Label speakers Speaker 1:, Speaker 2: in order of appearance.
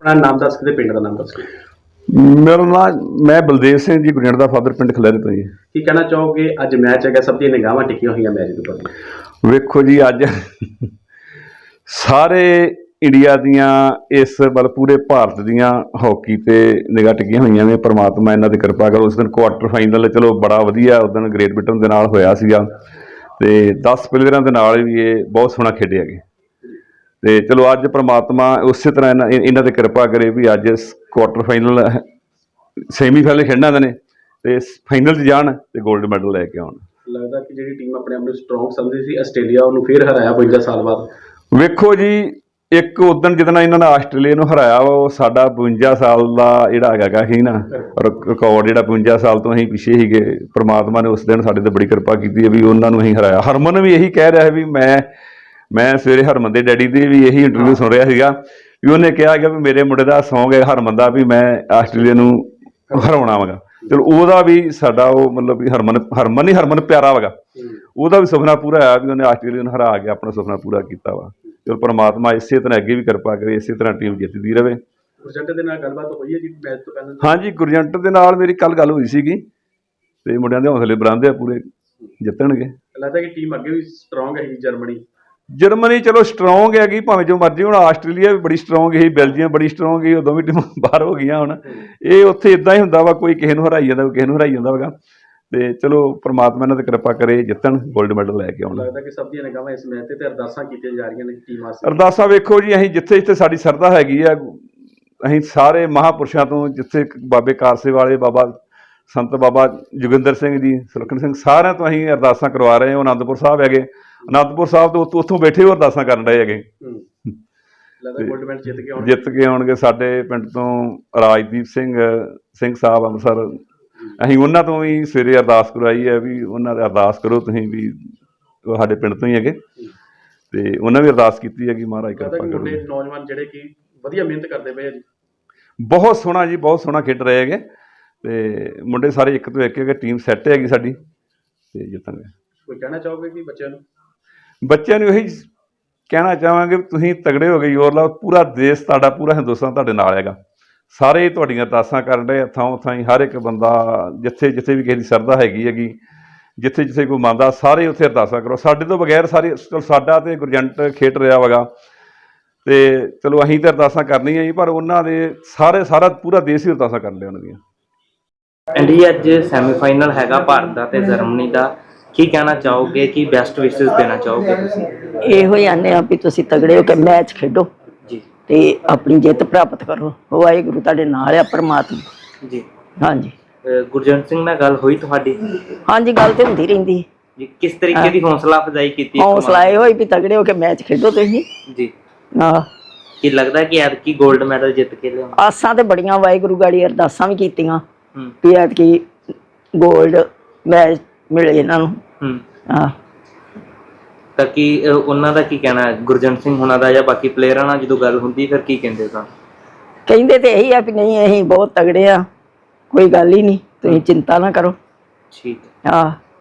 Speaker 1: अपना नाम दस के पिंड का नाम दस के
Speaker 2: मेरा नाम मैं बलदेव सिंह जी गुरजंट का फादर पिंड खलैरे तो जी।
Speaker 1: की कहना चाहोगे अज मैच है सब दी निगाहां टिकियां हुई मैच के उपर
Speaker 2: वेखो जी अज सारे इंडिया दियां इस मतलब पूरे भारत दियां हॉकी ते निगाह टिकियां हुई ने। परमात्मा इन्हां दी कृपा करो। उस दिन क्वार्टर फाइनल चलो बड़ा वधिया उस दिन ग्रेट ब्रिटेन दे नाल होया सीगा ते 10 प्लेयरां दे नाल भी ये बहुत सोहना खेडे गए ते चलो अज परमात्मा उस तरह इन्हां दी कृपा करे भी अज क्वार्टर फाइनल सैमीफाइनल खेडना ने ते फाइनल च जाण ते गोल्ड मैडल लैके आउण।
Speaker 1: लगदा कि जिहड़ी टीम अपने आप नूं स्ट्रोंग समझदी सी आस्ट्रेलिया उहनूं फिर हराया 52 साल बाद।
Speaker 2: वेखो जी एक उदन जिदन इन्होंने आस्ट्रेलिया नूं हराया वा वो साडा 52 साल का जिहड़ा हैगा सी ना रिकॉर्ड जिहड़ा 52 साल तो असीं पिछे सीगे। परमात्मा ने उस दिन साडे ते बड़ी कृपा कीती है भी उन्होंने असीं हराया। हरमन भी यही कह रहा है भी मैं सवेरे हरमन के डैडी की भी यही इंटरव्यू सुन रहा सीगा भी उन्हें कहा कि भी मेरे मुंडे का सौंग है हरमन का भी मैं आस्ट्रेलिया नूं हराउणा वागा। चलो ਉਹਦਾ भी साडा वो मतलब भी हरमन ही हरमन प्यारा वगा ਉਹਦਾ भी सुपना पूरा होया भी उन्हें आस्ट्रेलिया नूं हरा के अपना सुपना पूरा किया वा। चलो परमात्मा इस तरह अगे भी कृपा करे इस तरह टीम जितदी रहे।
Speaker 1: गुरजंट दे नाल गलबात होई है जी मैच तो पहले?
Speaker 2: हाँ जी गुरजंट दे नाल मेरी कल गल हुई सीगी ते मुंडियां दे हौसले बुलंद आ पूरे जितणगे।
Speaker 1: लगता कि टीम अगे भी स्ट्रोंग है
Speaker 2: जर्मनी चलो स्ट्रोंग हैगी भावें जो मर्जी हुण। आस्ट्रेलिया भी बड़ी स्ट्रोंग ही बेल्जियम बड़ी स्ट्रोंग ही दोवें टीमां बाहर हो गई हुण। ये उत्थे इदां ही हुंदा वा कोई किसे नूं हराई जांदा कोई किसे नूं हराई जांदा वा ते चलो परमात्मा इन्हां दी कृपा करे जितण गोल्ड मैडल लैके आउण।
Speaker 1: लगदा कि सब दी निगाहां इस मैच ते अरदासां कीतियां जा रहीआं ने टीम वास्ते।
Speaker 2: अरदासां वेखो जी असीं जिथे जिथे साडी सरधा हैगी आ असीं सारे महापुरुषां तो जिथे बाबे कारसे वाले बाबा संत बाबा जोगिंदर सिंह जी सुलखन सिंह सारिਆਂ तो असीं अरदासां करवा रहे ਹਾਂ। आनंदपुर साहब हैगे आनंदपुर साहब तो उत्थों बैठे हो अरदासां कर रहे हैगे जित के आउणगे। साडे पिंड तो राजदीप सिंह साहब अंम੍ਰਿਤਸਰ असीं उन्हां तो भी सवेरे अरदास करवाई है भी उन्हां दे अरदास करो तुसीं भी साडे पिंड तो ही हैगे ते उन्हां भी अरदास कीती है कि महाराज कृपा करो।
Speaker 1: नौजवान जिहड़े कि वधिया मेहनत करदे पए जी
Speaker 2: बहुत सोहना जी बहुत सोहना खेड रहे हैगे ते मुंडे सारे एक तो एक है टीम सैट हैगी साडी ते जितणगे।
Speaker 1: कोई कहना चाहोगे कि
Speaker 2: बच्चों नूं यही कहना चाहांगे भी तुसीं तगड़े हो गए जोर लाओ। पूरा देश तुहाडा पूरा हिंदुस्तान तुहाडे नाल हैगा। सारे तुहाडीआं अरदासां करन डे थां थाई हर एक बंदा जिथे जिथे भी किसी दी सरधा हैगी जिथे जिथे कोई मंनदा सारे उत्थे अरदासां करो। साडे तो बगैर सारे साडा ते गुरजंट खेड रहा वगा ते चलो असीं तो अरदासां करनियां जी पर उन्हां दे सारा पूरा देश ही अरदासां कर लिया उन्हां दियां।
Speaker 3: इंडिया अज सैमीफाइनल हैगा भारत का ते जर्मनी का की कहना चाहोगे कि बेस्ट विशेस देना चाहोगे तुसीं?
Speaker 4: ਇਹੋ ਹੀ ਆਨੇ ਆ ਵੀ ਤੁਸੀਂ ਤਗੜੇ ਹੋ ਕੇ ਮੈਚ ਖੇਡੋ
Speaker 3: जी
Speaker 4: ਤੇ ਆਪਣੀ ਜਿੱਤ ਪ੍ਰਾਪਤ ਕਰੋ। ਵਾਹਿਗੁਰੂ ਤੁਹਾਡੇ ਨਾਲ ਆ ਪਰਮਾਤਮਾ
Speaker 3: जी।
Speaker 4: ਹਾਂਜੀ।
Speaker 3: गुरजंट सिंह नाल गल हुई तुहाडी?
Speaker 4: ਹਾਂਜੀ ਗੱਲ ਤੇ ਹੁੰਦੀ ਰਹਿੰਦੀ
Speaker 3: जी किस तरीके की हौसला अफजाई की?
Speaker 4: ਹੌਸਲਾ ਇਹ ਹੋਈ ਵੀ ਤਗੜੇ ਹੋ ਕੇ ਮੈਚ ਖੇਡੋ ਤੁਸੀਂ।
Speaker 3: जी
Speaker 4: ਹਾਂ
Speaker 3: की लगता है कि ਐਤਕੀ गोल्ड मैडल जित के लिया?
Speaker 4: ਆਸਾਂ ਤੇ ਬੜੀਆਂ ਵਾਹਿਗੁਰੂ ਗਾੜੀ ਅਰਦਾਸਾਂ ਵੀ ਕੀਤੀਆਂ ਵੀ ਐਤਕੀ ਗੋਲਡ ਮੈਚ ਮਿਲੇ ਇਹਨਾਂ ਨੂੰ। ਹਾਂ
Speaker 3: ਤਾਂ ਕੀ ਉਹਨਾਂ ਦਾ ਕੀ ਕਹਿਣਾ ਹੈ ਗੁਰਜੰਟ ਸਿੰਘ ਹੁਣਾਂ ਦਾ ਜਾਂ ਬਾਕੀ ਪਲੇਅਰਾਂ ਨਾਲ ਜਦੋਂ ਗੱਲ ਹੁੰਦੀ ਫਿਰ ਕੀ ਕਹਿੰਦੇ ਤਾਂ?
Speaker 4: ਕਹਿੰਦੇ ਤੇ ਇਹੀ ਆ ਵੀ ਨਹੀਂ ਅਸੀਂ ਬਹੁਤ ਤਗੜੇ ਆ ਕੋਈ ਗੱਲ ਹੀ ਨਹੀਂ ਤੁਸੀਂ ਚਿੰਤਾ ਨਾ ਕਰੋ।
Speaker 3: ਠੀਕ
Speaker 4: ਹਾਂ।